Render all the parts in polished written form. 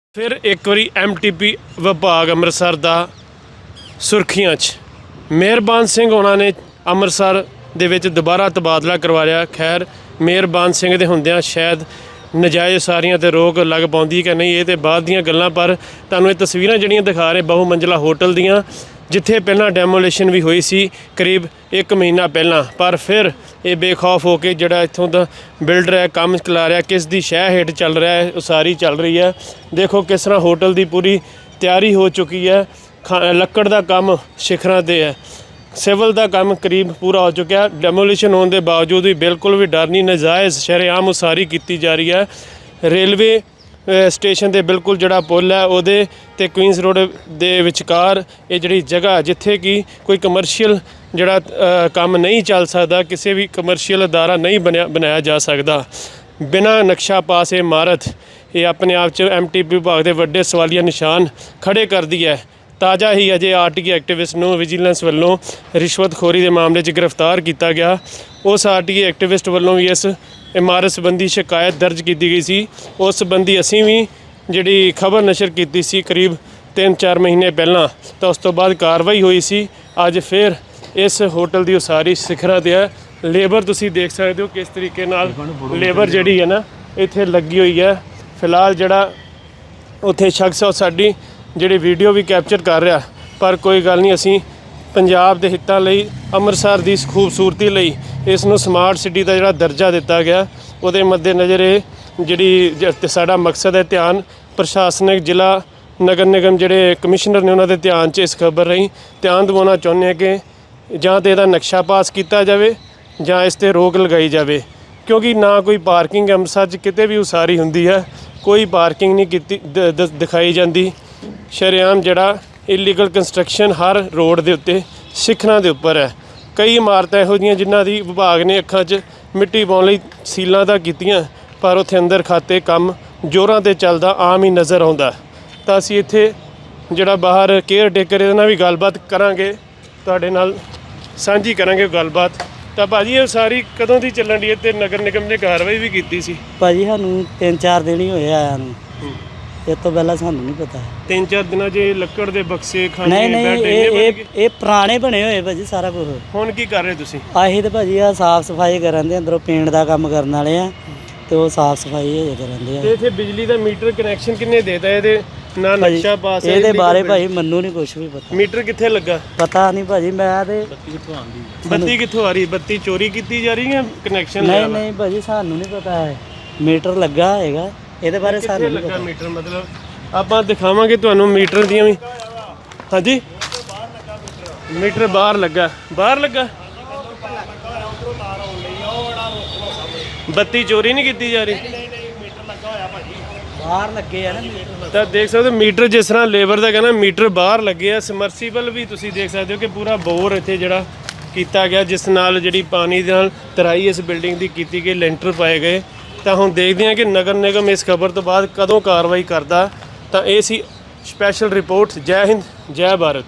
ਫਿਰ ਇੱਕ ਵਾਰੀ ਐਮਟੀਪੀ ਵਿਭਾਗ ਅੰਮ੍ਰਿਤਸਰ ਦਾ ਸੁਰਖੀਆਂ 'ਚ ਮਿਹਰਬਾਨ ਸਿੰਘ ਉਹਨਾਂ ਨੇ ਅੰਮ੍ਰਿਤਸਰ ਦੇ ਵਿੱਚ ਦੁਬਾਰਾ ਤਬਾਦਲਾ ਕਰਵਾ ਲਿਆ। ਖੈਰ ਮਿਹਰਬਾਨ ਸਿੰਘ ਦੇ ਹੁੰਦਿਆਂ ਸ਼ਾਇਦ ਨਜਾਇਜ਼ ਉਸਾਰੀਆਂ 'ਤੇ ਰੋਕ ਲੱਗ ਪਾਉਂਦੀ ਕਿ ਨਹੀਂ, ਇਹ ਤਾਂ ਬਾਅਦ ਦੀਆਂ ਗੱਲਾਂ। ਪਰ ਤੁਹਾਨੂੰ ਇਹ ਤਸਵੀਰਾਂ ਜਿਹੜੀਆਂ ਦਿਖਾ ਰਹੇ ਬਹੁ ਮੰਜ਼ਲਾ ਹੋਟਲ ਦੀਆਂ, ਜਿੱਥੇ ਪਹਿਲਾਂ ਡੈਮੋਲੇਸ਼ਨ ਵੀ ਹੋਈ ਸੀ ਕਰੀਬ 1 ਮਹੀਨਾ ਪਹਿਲਾਂ, ਪਰ ਫਿਰ ਇਹ ਬੇਖੌਫ ਹੋ ਕੇ ਜਿਹੜਾ ਇੱਥੋਂ ਦਾ ਬਿਲਡਰ ਹੈ ਕੰਮ ਚਲਾ ਰਿਹਾ, ਕਿਸ ਦੀ ਸ਼ਹਿ ਹੇਠ ਚੱਲ ਰਿਹਾ ਹੈ, ਉਸਾਰੀ ਚੱਲ ਰਹੀ ਹੈ। ਦੇਖੋ ਕਿਸ ਤਰ੍ਹਾਂ ਹੋਟਲ ਦੀ ਪੂਰੀ ਤਿਆਰੀ ਹੋ ਚੁੱਕੀ ਹੈ। ਲੱਕੜ ਦਾ ਕੰਮ ਸਿਖਰਾਂ 'ਤੇ ਹੈ, ਸਿਵਲ ਦਾ ਕੰਮ ਕਰੀਬ ਪੂਰਾ ਹੋ ਚੁੱਕਿਆ। ਡੈਮੋਲੀਸ਼ਨ ਹੋਣ ਦੇ ਬਾਵਜੂਦ ਵੀ ਬਿਲਕੁਲ ਵੀ ਡਰ ਨਹੀਂ, ਨਜਾਇਜ਼ ਸ਼ਰੇਆਮ ਉਸਾਰੀ ਕੀਤੀ ਜਾ ਰਹੀ ਹੈ। ਰੇਲਵੇ ਸਟੇਸ਼ਨ ਦੇ ਬਿਲਕੁਲ ਜਿਹੜਾ ਪੁੱਲ ਹੈ ਉਹਦੇ ਤੇ ਕੁਈਨਸ ਰੋਡ ਦੇ ਵਿਚਕਾਰ ਇਹ ਜਿਹੜੀ ਜਗ੍ਹਾ ਜਿੱਥੇ ਕਿ ਕੋਈ ਕਮਰਸ਼ੀਅਲ ਜਿਹੜਾ ਕੰਮ ਨਹੀਂ ਚੱਲ ਸਕਦਾ, ਕਿਸੇ ਵੀ ਕਮਰਸ਼ੀਅਲ ਅਦਾਰਾ ਨਹੀਂ ਬਣਾਇਆ ਜਾ ਸਕਦਾ, ਬਿਨਾਂ ਨਕਸ਼ਾ ਪਾਸ ਇਹ ਇਮਾਰਤ ਇਹ ਆਪਣੇ ਆਪ 'ਚ ਐਮਟੀਪੀ ਵਿਭਾਗ ਦੇ ਵੱਡੇ ਸਵਾਲੀਆ ਨਿਸ਼ਾਨ ਖੜੇ ਕਰਦੀ ਹੈ। ਤਾਜ਼ਾ ਹੀ ਅਜੇ ਆਰਟੀਆਈ ਐਕਟਿਵਿਸਟ ਨੂੰ ਵਿਜੀਲੈਂਸ ਵੱਲੋਂ ਰਿਸ਼ਵਤਖੋਰੀ ਦੇ ਮਾਮਲੇ 'ਚ ਗ੍ਰਿਫਤਾਰ ਕੀਤਾ ਗਿਆ। ਉਸ ਆਰਟੀਆਈ ਐਕਟਿਵਿਸਟ ਵੱਲੋਂ ਵੀ ਇਸ ਇਮਾਰਤ ਸੰਬੰਧੀ ਸ਼ਿਕਾਇਤ ਦਰਜ ਕੀਤੀ ਗਈ ਸੀ। ਉਸ ਸੰਬੰਧੀ ਅਸੀਂ ਵੀ ਜਿਹੜੀ ਖਬਰ ਨਸ਼ਰ ਕੀਤੀ ਸੀ ਕਰੀਬ 3-4 ਮਹੀਨੇ ਪਹਿਲਾਂ, ਤਾਂ ਉਸ ਤੋਂ ਬਾਅਦ ਕਾਰਵਾਈ ਹੋਈ ਸੀ। ਅੱਜ ਫਿਰ ਇਸ ਹੋਟਲ ਦੀ ਉਸਾਰੀ ਸਿਖਰਾਂ 'ਤੇ ਹੈ। ਲੇਬਰ ਤੁਸੀਂ ਦੇਖ ਸਕਦੇ ਹੋ ਕਿਸ ਤਰੀਕੇ ਨਾਲ ਲੇਬਰ ਜਿਹੜੀ ਹੈ ਨਾ ਇੱਥੇ ਲੱਗੀ ਹੋਈ ਹੈ। ਫਿਲਹਾਲ ਜਿਹੜਾ ਉੱਥੇ ਸ਼ਖਸ ਉਹ ਸਾਡੀ ਜਿਹੜੀ ਵੀਡੀਓ ਵੀ ਕੈਪਚਰ ਕਰ ਰਿਹਾ, ਪਰ ਕੋਈ ਗੱਲ ਨਹੀਂ, ਅਸੀਂ ਪੰਜਾਬ ਦੇ ਹਿੱਤਾਂ ਲਈ, ਅੰਮ੍ਰਿਤਸਰ ਦੀ ਖੂਬਸੂਰਤੀ ਲਈ ਇਸ ਨੂੰ ਸਮਾਰਟ ਸਿਟੀ ਦਾ ਜਿਹੜਾ ਦਰਜਾ ਦਿੱਤਾ ਗਿਆ, ਉਹਦੇ ਮੱਦੇਨਜ਼ਰ ਇਹ ਜਿਹੜੀ ਸਾਡਾ ਮਕਸਦ ਹੈ, ਧਿਆਨ ਪ੍ਰਸ਼ਾਸਨਿਕ ਜ਼ਿਲ੍ਹਾ ਨਗਰ ਨਿਗਮ ਜਿਹੜੇ ਕਮਿਸ਼ਨਰ ਨੇ ਉਹਨਾਂ ਦੇ ਧਿਆਨ 'ਚ ਇਸ ਖਬਰ ਰਾਹੀਂ ਧਿਆਨ ਦਿਵਾਉਣਾ ਚਾਹੁੰਦੇ ਹਾਂ ਕਿ ਜਾਂ ਤਾਂ ਇਹਦਾ ਨਕਸ਼ਾ ਪਾਸ ਕੀਤਾ ਜਾਵੇ ਜਾਂ ਇਸ 'ਤੇ ਰੋਕ ਲਗਾਈ ਜਾਵੇ, ਕਿਉਂਕਿ ਨਾ ਕੋਈ ਪਾਰਕਿੰਗ ਅੰਮ੍ਰਿਤਸਰ 'ਚ ਕਿਤੇ ਵੀ ਉਸਾਰੀ ਹੁੰਦੀ ਹੈ ਕੋਈ ਪਾਰਕਿੰਗ ਨਹੀਂ ਕੀਤੀ ਦਿਖਾਈ ਜਾਂਦੀ। ਸ਼ਰੇਆਮ ਜਿਹੜਾ ਇਲੀਗਲ ਕੰਸਟਰਕਸ਼ਨ ਹਰ ਰੋਡ ਦੇ ਉੱਤੇ ਸਿਖਰਾਂ ਦੇ ਉੱਪਰ ਹੈ। ਕਈ ਇਮਾਰਤਾਂ ਇਹੋ ਜਿਹੀਆਂ ਜਿਨ੍ਹਾਂ ਦੀ ਵਿਭਾਗ ਨੇ ਅੱਖਾਂ 'ਚ ਮਿੱਟੀ ਪਾਉਣ ਲਈ ਸੀਲਾਂ ਤਾਂ ਕੀਤੀਆਂ, ਪਰ ਉੱਥੇ ਅੰਦਰ ਖਾਤੇ ਕੰਮ ਜ਼ੋਰਾਂ 'ਤੇ ਚੱਲਦਾ ਆਮ ਹੀ ਨਜ਼ਰ ਆਉਂਦਾ। ਤਾਂ ਅਸੀਂ ਇੱਥੇ ਜਿਹੜਾ ਬਾਹਰ ਕੇਅਰ ਟੇਕਰ ਇਹਦੇ ਨਾਲ ਵੀ ਗੱਲਬਾਤ ਕਰਾਂਗੇ, ਤੁਹਾਡੇ ਨਾਲ ਸਾਂਝੀ ਕਰਾਂਗੇ ਗੱਲਬਾਤ। ਤਾਂ ਭਾਜੀ ਇਹ ਸਾਰੀ ਕਦੋਂ ਦੀ ਚੱਲਣ ਦੀ ਹੈ ਤੇ ਨਗਰ ਨਿਗਮ ਨੇ ਕਾਰਵਾਈ ਵੀ ਕੀਤੀ ਸੀ? ਭਾਜੀ ਸਾਨੂੰ 3-4 ਦਿਨ ਹੀ ਹੋਏ ਆਇਆ ਨੂੰ, ਇਹ ਤੋਂ ਪਹਿਲਾਂ ਸਾਨੂੰ ਨਹੀਂ ਪਤਾ। 3-4 ਦਿਨਾਂ 'ਚ ਲੱਕੜ ਦੇ ਬਕਸੇ ਖਾਣੇ ਨਹੀਂ ਇਹ ਪੁਰਾਣੇ ਬਣੇ ਹੋਏ ਭਾਜੀ ਸਾਰਾ ਕੁਝ। ਹੁਣ ਕੀ ਕਰ ਰਹੇ ਤੁਸੀਂ? ਆਹੀ ਤੇ ਭਾਜੀ ਆ ਸਾਫ ਸਫਾਈ ਕਰਨ ਦੇ, ਅੰਦਰੋਂ ਪੇਂਟ ਦਾ ਕੰਮ ਕਰਨ ਵਾਲੇ ਆ ਤੇ ਉਹ ਸਾਫ ਸਫਾਈ ਹਜੇ ਕਰਨ ਦੇ ਆ। ਤੇ ਇੱਥੇ ਬਿਜਲੀ ਦਾ ਮੀਟਰ ਕਨੈਕਸ਼ਨ ਕਿੰਨੇ ਦੇਤਾ? ਇਹਦੇ ਨਾ ਨਕਸ਼ਾ ਪਾਸ ਹੈ ਇਹਦੇ ਬਾਰੇ ਭਾਜੀ ਮੈਨੂੰ ਨਹੀਂ ਕੁਝ ਵੀ ਪਤਾ। ਮੀਟਰ ਕਿੱਥੇ ਲੱਗਾ ਪਤਾ ਨਹੀਂ ਭਾਜੀ, ਮੈਂ ਤੇ ਬੱਤੀ ਕਿੱਥੋਂ ਆ ਰਹੀ? ਬੱਤੀ ਚੋਰੀ ਕੀਤੀ ਜਾ ਰਹੀ ਹੈ ਕਨੈਕਸ਼ਨ? ਨਹੀਂ ਭਾਜੀ ਸਾਨੂੰ ਨਹੀਂ ਪਤਾ ਹੈ, ਮੀਟਰ ਲੱਗਾ ਹੈਗਾ ਇਹਦੇ ਬਾਰੇ ਸਾਨੂੰ ਨਹੀਂ ਪਤਾ। ਮੀਟਰ ਮਤਲਬ ਆਪਾਂ ਦਿਖਾਵਾਂਗੇ ਤੁਹਾਨੂੰ ਮੀਟਰ ਦੀਆਂ ਵੀ। ਹਾਂਜੀ ਮੀਟਰ ਬਾਹਰ ਲੱਗਾ, ਬਾਹਰ ਲੱਗਾ। ਬੱਤੀ ਚੋਰੀ ਨਹੀਂ ਕੀਤੀ ਜਾ ਰਹੀ, ਬਾਹਰ ਲੱਗੇ ਆ ਨਾ ਮੀਟਰ। ਤਾਂ ਦੇਖ ਸਕਦੇ ਹੋ ਮੀਟਰ ਜਿਸ ਤਰ੍ਹਾਂ ਲੇਬਰ ਦਾ ਕਹਿੰਦਾ ਮੀਟਰ ਬਾਹਰ ਲੱਗੇ ਆ। ਸਮਰਸੀਬਲ ਵੀ ਤੁਸੀਂ ਦੇਖ ਸਕਦੇ ਹੋ ਕਿ ਪੂਰਾ ਬੋਰ ਇੱਥੇ ਜਿਹੜਾ ਕੀਤਾ ਗਿਆ, ਜਿਸ ਨਾਲ ਜਿਹੜੀ ਪਾਣੀ ਦੇ ਨਾਲ ਤਰਾਈ ਇਸ ਬਿਲਡਿੰਗ ਦੀ ਕੀਤੀ ਗਈ, ਲੈਂਟਰ ਪਾਏ ਗਏ। ਤਾਂ ਹੁਣ ਦੇਖਦੇ ਹਾਂ ਕਿ ਨਗਰ ਨਿਗਮ ਇਸ ਖਬਰ ਤੋਂ ਬਾਅਦ ਕਦੋਂ ਕਾਰਵਾਈ ਕਰਦਾ। ਤਾਂ ਇਹ ਸੀ ਸਪੈਸ਼ਲ ਰਿਪੋਰਟ। ਜੈ ਹਿੰਦ, ਜੈ ਭਾਰਤ।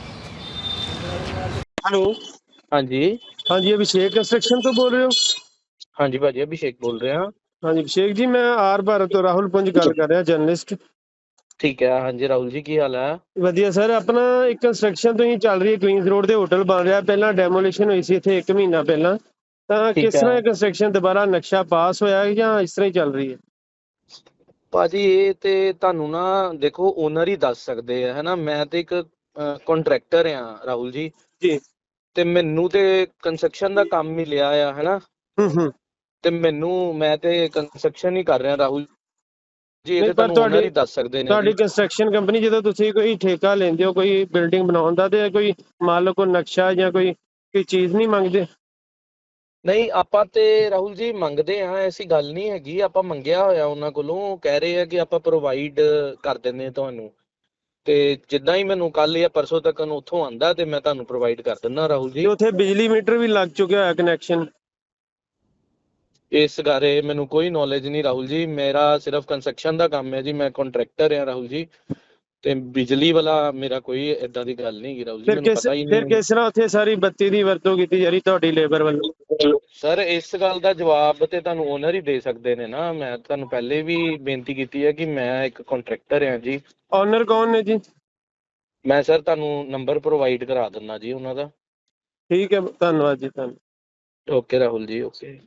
ਹੈਲੋ, ਹਾਂਜੀ ਹਾਂਜੀ ਅਭਿਸ਼ੇਕ ਕੰਸਟਰਕਸ਼ਨ ਤੋਂ ਬੋਲ ਰਹੇ ਹੋ? ਹਾਂਜੀ ਭਾਜੀ ਅਭਿਸ਼ੇਕ ਬੋਲ ਰਿਹਾ। ਹਾਂਜੀ ਅਭਿਸ਼ੇਕ ਜੀ, ਮੈਂ ਆਰ ਭਾਰਤ ਤੋਂ ਰਾਹੁਲ ਪੁੰਜ ਗੱਲ ਕਰ ਰਿਹਾ, ਜਰਨਲਿਸਟ। ਠੀਕ ਹੈ, ਹਾਂਜੀ ਰਾਹੁਲ ਜੀ ਕੀ ਹਾਲ ਹੈ? ਵਧੀਆ ਸਰ। ਆਪਣਾ ਇੱਕ ਕੰਸਟਰਕਸ਼ਨ ਤੋਂ ਹੀ ਚੱਲ ਰਹੀ ਹੈ, ਕੁਈਨਸ ਰੋਡ ਦੇ ਹੋਟਲ ਬਣ ਰਿਹਾ, ਪਹਿਲਾਂ ਡੈਮੋਲੇਸ਼ਨ ਹੋਈ ਸੀ ਇੱਥੇ 1 ਮਹੀਨਾ ਪਹਿਲਾਂ। ਤਾਂ ਕਿਸ ਤਰ੍ਹਾਂ ਇਹ ਕੰਸਟਰਕਸ਼ਨ ਦੁਬਾਰਾ ਨਕਸ਼ਾ ਪਾਸ ਹੋਇਆ ਹੈ ਜਾਂ ਇਸ ਤਰ੍ਹਾਂ ਹੀ ਚੱਲ ਰਹੀ ਹੈ? ਭਾਜੀ ਇਹ ਤੇ ਤੁਹਾਨੂੰ ਨਾ ਦੇਖੋ ਓਨਰ ਹੀ ਦੱਸ ਸਕਦੇ ਆ, ਹੈਨਾ। ਮੈਂ ਤੇ ਇੱਕ ਕੰਟਰੈਕਟਰ ਆ ਰਾਹੁਲ ਜੀ। ਜੀ। ਤੇ ਮੈਨੂੰ ਤੇ ਕੰਸਟਰਕਸ਼ਨ ਦਾ ਕੰਮ ਮਿਲਿਆ ਆ, ਹੈਨਾ। ਤੇ ਮੈਂ ਤੇ ਕੰਸਟਰਕਸ਼ਨ ਹੀ ਕਰ ਰਿਹਾ ਰਾਹੁਲ ਜੀ। ਇਹ ਤੇ ਤੁਹਾਨੂੰ ਓਨਰ ਹੀ ਦੱਸ ਸਕਦੇ ਨੇ। ਤੁਹਾਡੀ ਕੰਸਟਰਕਸ਼ਨ ਕੰਪਨੀ ਜਦੋਂ ਤੁਸੀਂ ਕੋਈ ਠੇਕਾ ਲੈਂਦੇ ਹੋ ਕੋਈ ਬਿਲਡਿੰਗ ਬਣਾਉਣ ਦਾ, ਤੇ ਕੋਈ ਮੰਨ ਲਓ ਕੋਈ ਨਕਸ਼ਾ ਜਾਂ ਕੋਈ ਚੀਜ਼ ਨਹੀਂ ਮੰਗਦੇ? ਨਹੀਂ ਆਪਾਂ ਤੇ ਰਾਹੁਲ ਜੀ ਮੰਗਦੇ ਆ, ਐਸੀ ਗੱਲ ਨਹੀਂ ਹੈਗੀ। ਆਪਾਂ ਮੰਗਿਆ ਹੋਇਆ ਉਹਨਾਂ ਕੋਲੋਂ, ਕਹਿ ਰਹੇ ਆ ਕਿ ਆਪਾਂ ਪ੍ਰੋਵਾਈਡ ਕਰ ਦਿੰਦੇ ਤੁਹਾਨੂੰ। ਤੇ ਜਿੱਦਾਂ ਹੀ ਮੈਨੂੰ ਕੱਲ ਜਾਂ ਪਰਸੋਂ ਤੱਕ ਉੱਥੋਂ ਆਂਦਾ ਤੇ ਮੈਂ ਤੁਹਾਨੂੰ ਪ੍ਰੋਵਾਈਡ ਕਰ ਦਿੰਦਾ ਰਾਹੁਲ ਜੀ। ਉੱਥੇ ਬਿਜਲੀ ਮੀਟਰ ਵੀ ਲੱਗ ਚੁੱਕਿਆ ਹੋਇਆ ਕਨੈਕਸ਼ਨ? ਇਸ ਬਾਰੇ ਮੈਨੂੰ ਕੋਈ ਨੌਲੇਜ ਨਹੀਂ ਰਾਹੁਲ ਜੀ, ਮੇਰਾ ਸਿਰਫ ਕੰਸਟਰਕਸ਼ਨ ਦਾ ਕੰਮ ਹੈ ਜੀ। ਮੈਂ ਕੰਟਰੈਕਟਰ ਹਾਂ ਰਾਹੁਲ ਜੀ। ਤੇ ਬਿਜਲੀ ਵਾਲਾ ਮੇਰਾ ਕੋਈ ਏਦਾਂ ਦੀ ਗੱਲ ਨਹੀਂ ਹੈਗੀ ਰਾਹੁਲ ਜੀ, ਮੈਨੂੰ ਪਤਾ ਹੀ ਫਿਰ ਨਹੀਂ। ਕਿਸ ਤਰ੍ਹਾਂ ਉੱਥੇ ਸਾਰੀ ਬੱਤੀ ਦੀ ਵਰਤੋਂ ਕੀਤੀ ਜਾ ਰਹੀ ਤੁਹਾਡੀ ਲੇਬਰ ਵੱਲੋਂ? ਸਰ ਇਸ ਗੱਲ ਦਾ ਜਵਾਬ ਤੇ ਤੁਹਾਨੂੰ ਓਨਰ ਹੀ ਦੇ ਸਕਦੇ ਨੇ ਨਾ। ਮੈਂ ਤੁਹਾਨੂੰ ਪਹਿਲੇ ਵੀ ਬੇਨਤੀ ਕੀਤੀ ਹੈ ਕਿ ਮੈਂ ਇੱਕ ਕੰਟਰੈਕਟਰ ਹਾਂ ਜੀ। ਓਨਰ ਕੌਣ ਨੇ ਜੀ? ਮੈਂ ਸਰ ਤੁਹਾਨੂੰ ਨੰਬਰ ਪ੍ਰੋਵਾਈਡ ਕਰਾ ਦਿੰਦਾ ਜੀ ਉਹਨਾਂ ਦਾ। ਠੀਕ ਹੈ, ਧੰਨਵਾਦ ਜੀ, ਧੰਨਵਾਦ। ਓਕੇ ਰਾਹੁਲ ਜੀ, ਓਕੇ।